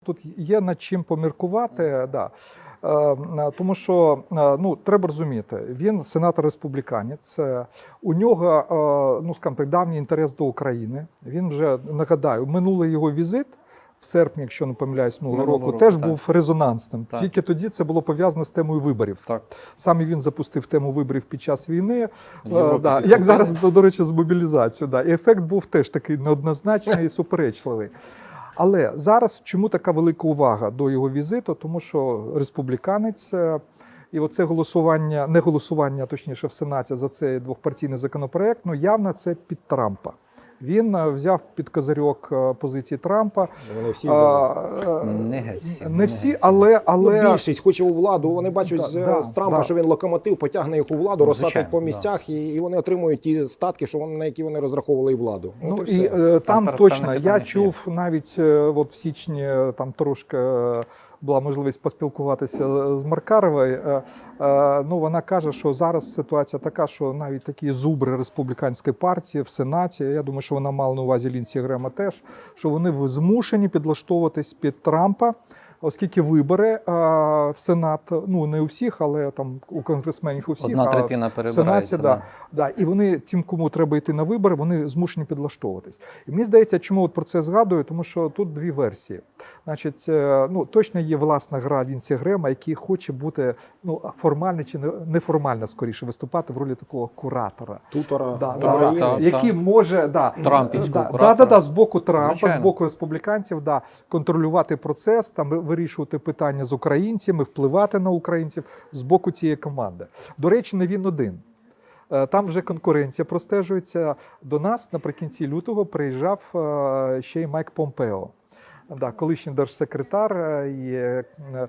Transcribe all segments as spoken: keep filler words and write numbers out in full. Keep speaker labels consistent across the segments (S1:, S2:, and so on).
S1: Тут є над чим поміркувати, да. Е, тому що е, ну, треба розуміти, він сенатор-республіканець, е, у нього, е, ну, скажімо так, давній інтерес до України. Він вже, нагадаю, минулий його візит в серпні, якщо не помиляюсь, минулого року, року, теж так. був резонансним. Так. Тільки тоді це було пов'язано з темою виборів. Так. Саме він запустив тему виборів під час війни, е, да, як зараз, до, до речі, з мобілізацією. Да. І ефект був теж такий неоднозначний і суперечливий. Але зараз чому така велика увага до його візиту? Тому що республіканець, і оце голосування, не голосування, точніше, в Сенаті за цей двохпартійний законопроект, ну явно це під Трампа. Він взяв під козирьок позиції Трампа.
S2: Вони всі взяли.
S1: Не геть всі. Не всі, але... але...
S2: Ну, більшість хоче у владу. Вони бачать да, з,
S1: да,
S2: з Трампа,
S1: да.
S2: що він локомотив, потягне їх у владу, розсадить по місцях,
S1: да.
S2: і, і вони отримують ті статки, що вони, на які вони розраховували і владу.
S1: Ну,
S2: от
S1: і, і
S2: там,
S1: там точно, я чув навіть от в січні, там трошки була можливість поспілкуватися з Маркаровою. Ну, вона каже, що зараз ситуація така, що навіть такі зубри республіканської партії в Сенаті, я думаю, що вона мала на увазі Лінсі Грема теж, що вони змушені підлаштовуватись під Трампа, оскільки вибори а, в Сенат, ну не у всіх, але там у конгресменів у всіх,
S3: одна третина перебирається.
S1: Да, да. Да, і вони, тим, кому треба йти на вибори, вони змушені підлаштовуватись. І мені здається, чому от про це згадую, тому що тут дві версії. Значить, ну, точно є власна гра Лінсі Грема, який хоче бути ну, формально чи неформально, скоріше, виступати в ролі такого куратора.
S2: Тутора.
S1: Да,
S2: да,
S1: да, да, який може, да,
S3: Трампівського
S1: да,
S3: куратора.
S1: Да, да, да, з боку Трампа,
S3: Звичайно.
S1: з боку республіканців, да, контролювати процес, там, вирішувати питання з українцями, впливати на українців з боку цієї команди. До речі, не він один. Там вже конкуренція простежується. До нас наприкінці лютого приїжджав ще й Майк Помпео. Да, колишній держсекретар, і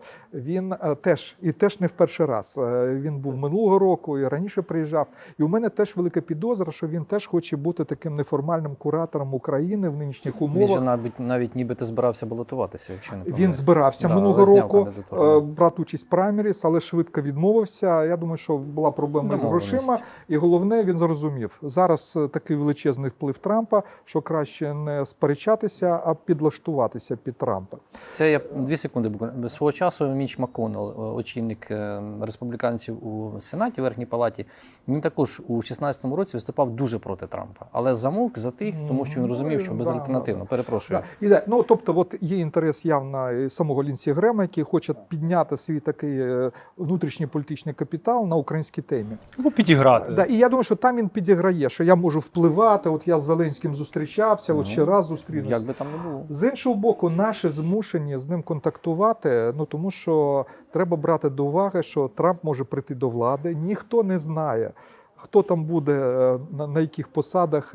S1: він теж, і теж не в перший раз. Він був минулого року і раніше приїжджав. І у мене теж велика підозра, що він теж хоче бути таким неформальним куратором України в нинішніх умовах.
S3: Він же навіть, навіть нібито збирався балотуватися, якщо не помиляюсь.
S1: Він збирався да, минулого року брати участь в праймеріс, але швидко відмовився. Я думаю, що була проблема з грошима. І головне, він зрозумів, зараз такий величезний вплив Трампа, що краще не сперечатися, а підлаштуватися під Трампа.
S3: Це я дві секунди буквально. Свого часу Міч МакКоннелл, очільник республіканців у Сенаті, в Верхній Палаті, він також у шістнадцятому році виступав дуже проти Трампа. Але замовк, затих, тому що він розумів, що безальтернативно. Перепрошую.
S1: Да. І, да. Ну, тобто, от є інтерес явно самого Лінсі Грема, який хоче підняти свій такий внутрішній політичний капітал на українській темі.
S4: Ну, підіграти.
S1: Да. І я думаю, що там він підіграє, що я можу впливати, от я з Зеленським зустрічався, от ще раз зустрінуся.
S3: Як би там не було.
S1: З іншого боку, наші змушені з ним контактувати, ну тому що треба брати до уваги, що Трамп може прийти до влади, ніхто не знає, хто там буде, на, на яких посадах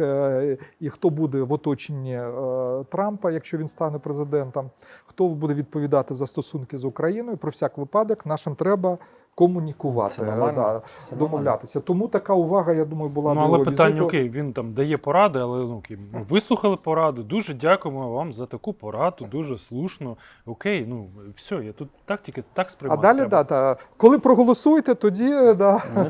S1: і хто буде в оточенні Трампа, якщо він стане президентом, хто буде відповідати за стосунки з Україною. Про всяк випадок нашим треба комунікувати, да, домовлятися. Тому така увага, я думаю, була
S4: ну,
S1: до
S4: але
S1: його
S4: питання,
S1: візиту.
S4: Окей, він там дає поради, але ну, окей, ми вислухали пораду, дуже дякуємо вам за таку пораду, дуже слушно. Окей, ну все, я тут так тільки так сприймаю.
S1: А далі, да, да, коли проголосуєте, тоді да,